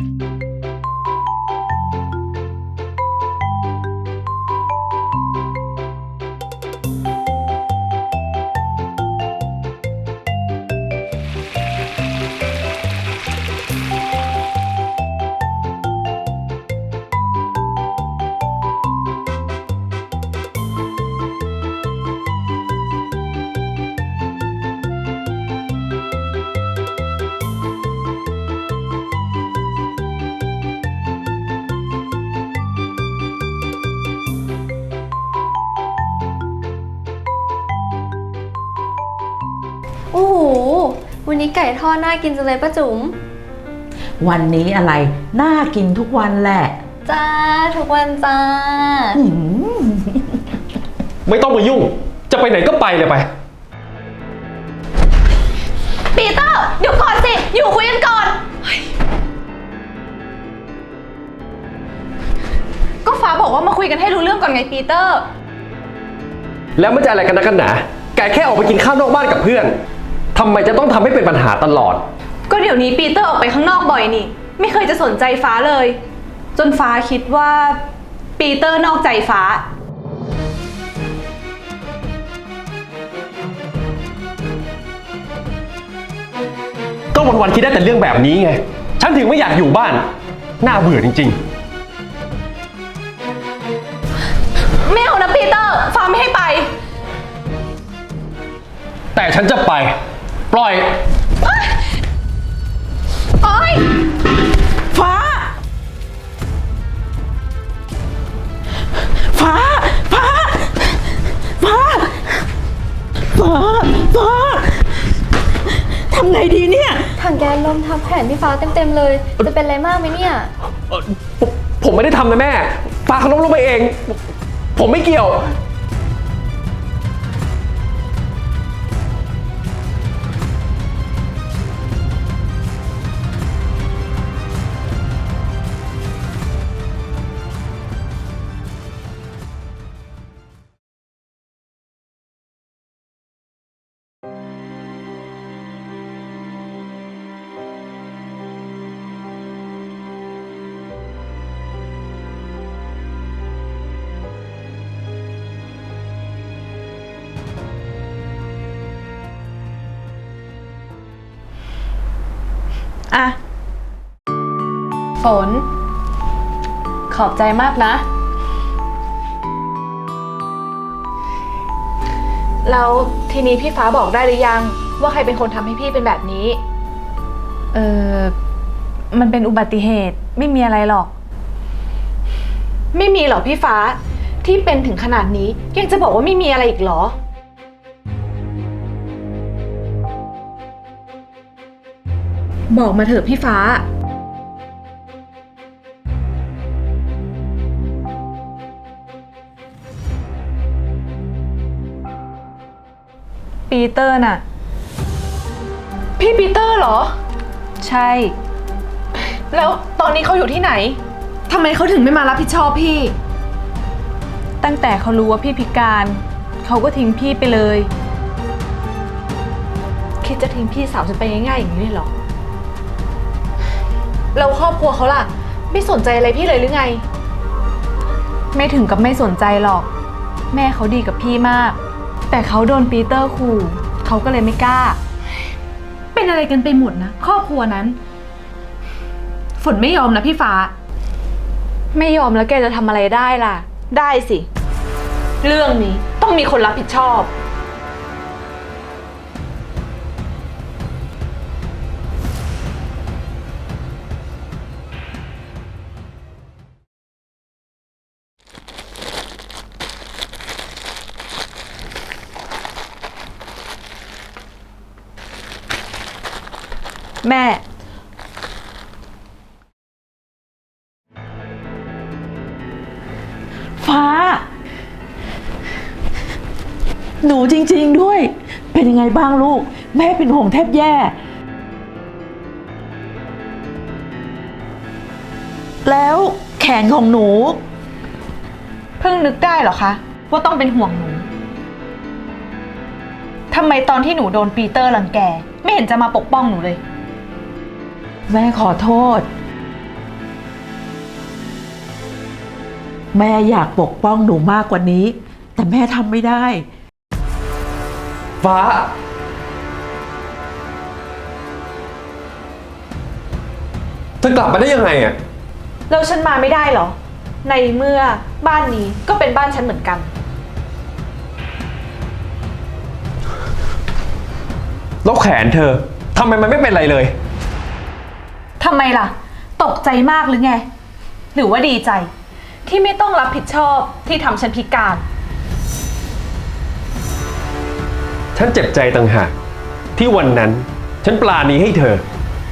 โอ้โหวันนี้ไก่ทอดน่ากินจังเลยป้าจุ๋มวันนี้อะไรน่ากินทุกวันแหละจ้าทุกวันจ้าไม่ต้องมายุ่งจะไปไหนก็ไปเลยไปปีเตอร์เดี๋ยวก่อนสิอยู่คุยกันก่อนก็ฟ้าบอกว่ามาคุยกันให้รู้เรื่องก่อนไงปีเตอร์แล้วมันจะอะไรกันนะกันหนาไก่แค่ออกไปกินข้าวนอกบ้านกับเพื่อนทำไมจะต้องทำให้เป็นปัญหาตลอดก็เดี๋ยวนี้ปีเตอร์ออกไปข้างนอกบ่อยนี่ไม่เคยจะสนใจฟ้าเลยจนฟ้าคิดว่าปีเตอร์นอกใจฟ้าก็วันๆคิดได้แต่เรื่องแบบนี้ไงฉันถึงไม่อยากอยู่บ้านน่าเบื่อจริงๆไม่เอานะปีเตอร์ฟ้าไม่ให้ไปแต่ฉันจะไปปล่อยโอ๊ยฟ้าฟ้าฟ้าฟ้าฟ้าฟ้าทำไงดีเนี่ยถังแก๊สล้มทับแขนพี่ฟ้าเต็มๆเลยจะเป็นอะไรมากไหมเนี่ยผมไม่ได้ทำนะแม่ฟ้าเขาล้มลงไปเองผมไม่เกี่ยวอะฝนขอบใจมากนะแล้วทีนี้พี่ฟ้าบอกได้หรือยังว่าใครเป็นคนทำให้พี่เป็นแบบนี้มันเป็นอุบัติเหตุไม่มีอะไรหรอกไม่มีหรอพี่ฟ้าที่เป็นถึงขนาดนี้ยังจะบอกว่าไม่มีอะไรอีกหรอบอกมาเถอะพี่ฟ้าปีเตอร์น่ะพี่ปีเตอร์เหรอใช่แล้วตอนนี้เขาอยู่ที่ไหนทำไมเขาถึงไม่มารับผิดชอบพี่ตั้งแต่เขารู้ว่าพี่พิการเขาก็ทิ้งพี่ไปเลยคิดจะทิ้งพี่สาวฉันไปง่ายๆอย่างนี้เลยเหรอแล้วครอบครัวเขาล่ะไม่สนใจอะไรพี่เลยหรือไงไม่ถึงกับไม่สนใจหรอกแม่เขาดีกับพี่มากแต่เขาโดนปีเตอร์ขู่เขาก็เลยไม่กล้าเป็นอะไรกันไปหมดนะครอบครัวนั้นฝนไม่ยอมนะพี่ฟ้าไม่ยอมแล้วแกจะทำอะไรได้ล่ะได้สิเรื่องนี้ต้องมีคนรับผิดชอบแม่ฟ้าหนูจริงๆด้วยเป็นยังไงบ้างลูกแม่เป็นห่วงแทบแย่แล้วแขนของหนูเพิ่งนึกได้เหรอคะว่าต้องเป็นห่วงหนูทำไมตอนที่หนูโดนปีเตอร์รังแกไม่เห็นจะมาปกป้องหนูเลยแม่ขอโทษแม่อยากปกป้องหนูมากกว่านี้ แต่แม่ทำไม่ได้ฟ้า เธอกลับมาได้ยังไงอะแล้วฉันมาไม่ได้เหรอ ในเมื่อบ้านนี้ก็เป็นบ้านฉันเหมือนกันแล้วแขนเธอทำไมมันไม่เป็นไรเลยทำไมล่ะ ตกใจมากหรือไง หรือว่าดีใจ ที่ไม่ต้องรับผิดชอบที่ทำฉันพิการฉันเจ็บใจต่างหากที่วันนั้น ฉันปราณีให้เธอ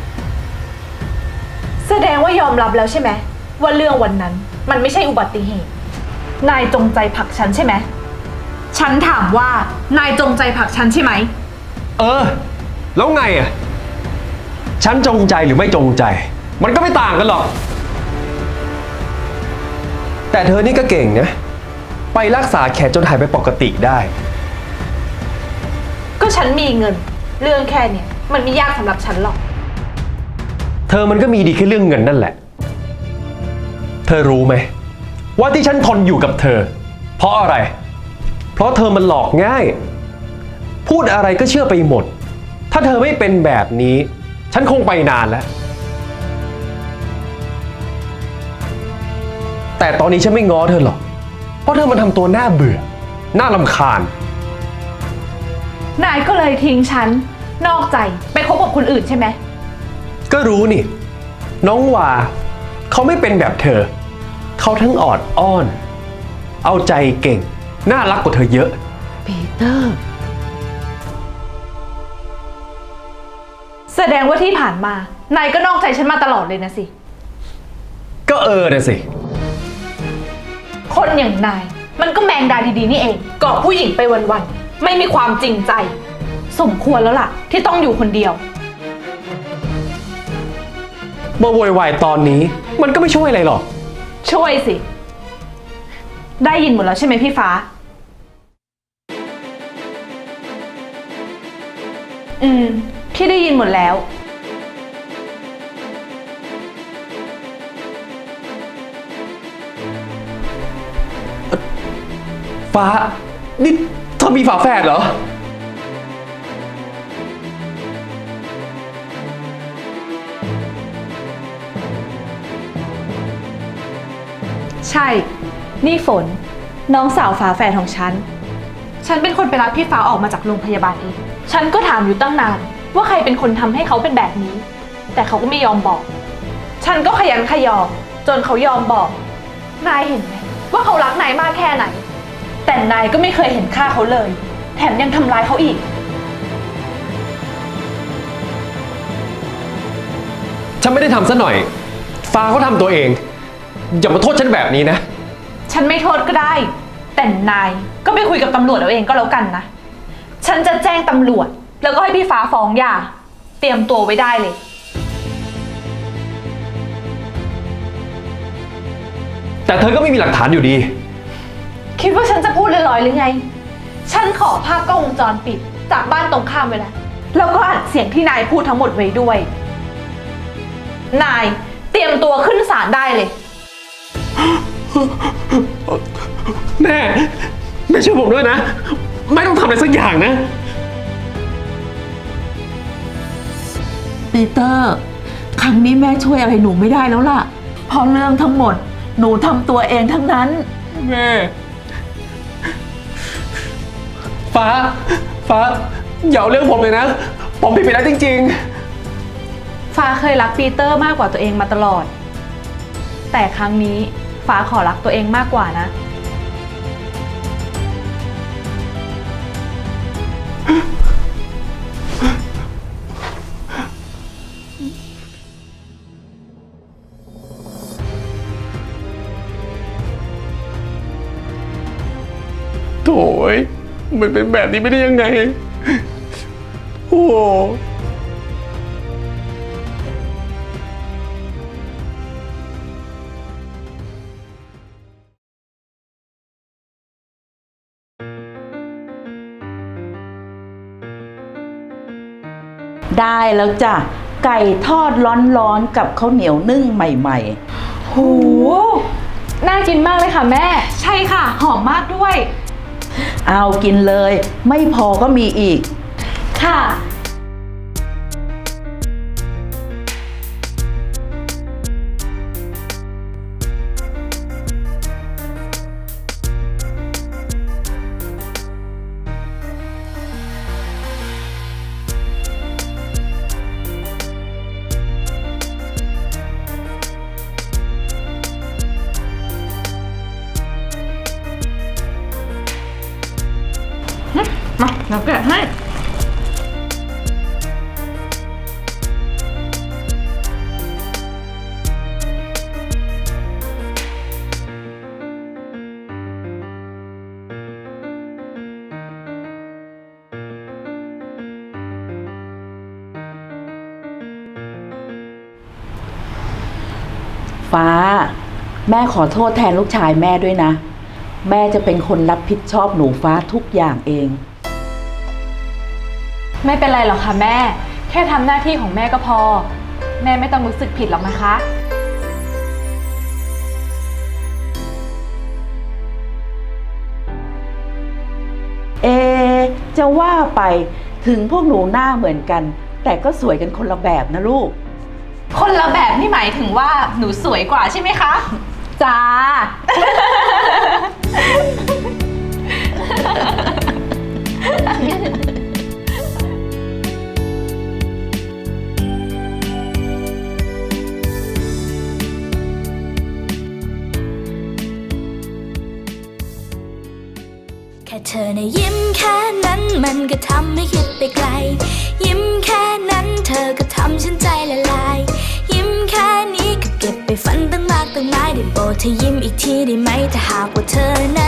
แสดงว่ายอมรับแล้วใช่ไหมว่าเรื่องวันนั้นมันไม่ใช่อุบัติเหตุ นายจงใจผลักฉันใช่ไหม ฉันถามว่านายจงใจผลักฉันใช่ไหมเออ แล้วไงอ่ะ ฉันจงใจหรือไม่จงใจ มันก็ไม่ต่างกันหรอก แต่เธอนี่ก็เก่งนะ ไปรักษาแขนจนหายไปปกติได้ก็ฉันมีเงิน เรื่องแค่เนี้ยมันไม่ยากสำหรับฉันหรอกเธอมันก็มีดีแค่เรื่องเงินนั่นแหละ เธอรู้ไหมว่าที่ฉันทนอยู่กับเธอ เพราะอะไร เพราะเธอมันหลอกง่าย พูดอะไรก็เชื่อไปหมด ถ้าเธอไม่เป็นแบบนี้ ฉันคงไปนานแล้ว แต่ตอนนี้ฉันไม่ง้อเธอหรอก เพราะเธอมันทำตัวน่าเบื่อ น่ารำคาญนายก็เลยทิ้งฉัน นอกใจไปคบกับคนอื่นใช่ไหมก็รู้นี่ น้องวาเขาไม่เป็นแบบเธอ เขาทั้งออดอ้อน เอาใจเก่ง น่ารักกว่าเธอเยอะปีเตอร์แสดงว่าที่ผ่านมา นายก็นอกใจฉันมาตลอดเลยนะสิก็นะสิคนอย่างนาย มันก็แมงดาดีๆนี่เองเกาะผู้หญิงไปวันๆไม่มีความจริงใจ สมควรแล้วล่ะ ที่ต้องอยู่คนเดียวมาโวยวายตอนนี้มันก็ไม่ช่วยอะไรหรอกช่วยสิ ได้ยินหมดแล้วใช่ไหมพี่ฟ้า พี่ได้ยินหมดแล้วฟ้า นี่เธอมีฝาแฝดเหรอใช่ นี่ฝน น้องสาวฝาแฝดของฉัน ฉันเป็นคนไปรับพี่ฟ้าออกมาจากโรงพยาบาลเอง ฉันก็ถามอยู่ตั้งนานว่าใครเป็นคนทำให้เขาเป็นแบบนี้ แต่เขาก็ไม่ยอมบอก ฉันก็ขยันขยอจนเขายอมบอก นายเห็นไหมว่าเขารักนายมากแค่ไหน แต่นายก็ไม่เคยเห็นค่าเขาเลย แถมยังทำร้ายเขาอีกฉันไม่ได้ทำซะหน่อย ฟ้าเขาทำตัวเอง อย่ามาโทษฉันแบบนี้นะฉันไม่โทษก็ได้ แต่นายก็ไปคุยกับตำรวจเอาเองก็แล้วกันนะ ฉันจะแจ้งตำรวจ แล้วก็ให้พี่ฟ้าฟ้องหย่า เตรียมตัวไว้ได้เลยแต่เธอก็ไม่มีหลักฐานอยู่ดีคิดว่าฉันจะพูดลอยๆหรือไง ฉันขอภาพกล้องวงจรปิดจากบ้านตรงข้ามไว้แล้ว แล้วก็อัดเสียงที่นายพูดทั้งหมดไว้ด้วย นายเตรียมตัวขึ้นศาลได้เลยแม่ช่วยผมด้วยนะ ไม่ต้องทำอะไรสักอย่างนะปีเตอร์ ครั้งนี้แม่ช่วยอะไรหนูไม่ได้แล้วล่ะ เพราะเรื่องทั้งหมด หนูทำตัวเองทั้งนั้นแม่ ฟ้า อย่าเอาเรื่องผมเลยนะ ผมผิดไปแล้วจริงฟ้าเคยรักปีเตอร์มากกว่าตัวเองมาตลอด แต่ครั้งนี้ฟ้าขอรักตัวเองมากกว่านะๆ โถ่มันเป็นแบบนี้ไม่ได้ยังไง โอ้โหได้แล้วจ้ะ ไก่ทอดร้อนๆกับข้าวเหนียวนึ่งใหม่ๆโหน่ากินมากเลยค่ะแม่ใช่ค่ะ หอมมากด้วยเอากินเลย ไม่พอก็มีอีกค่ะมาเราแกะให้ฟ้า แม่ขอโทษแทนลูกชายแม่ด้วยนะ แม่จะเป็นคนรับผิดชอบหนูฟ้าทุกอย่างเองไม่เป็นไรหรอกค่ะแม่ แค่ทำหน้าที่ของแม่ก็พอ แม่ไม่ต้องรู้สึกผิดหรอกนะคะเอะจะว่าไปถึงพวกหนูหน้าเหมือนกัน แต่ก็สวยกันคนละแบบนะลูกคนละแบบนี่หมายถึงว่าหนูสวยกว่าใช่ไหมคะจ้าแค่เธอนะยิ้มแค่นั้นมันก็ทำให้คิดไปไกล ยิ้มแค่นั้นเธอก็ทำฉันใจละลาย ยิ้มแค่นี้ก็เก็บไปฝันตั้งมากตั้งหลายได้โปรดเธอยิ้มอีกทีได้ไหมถ้าหากว่าเธอนั้น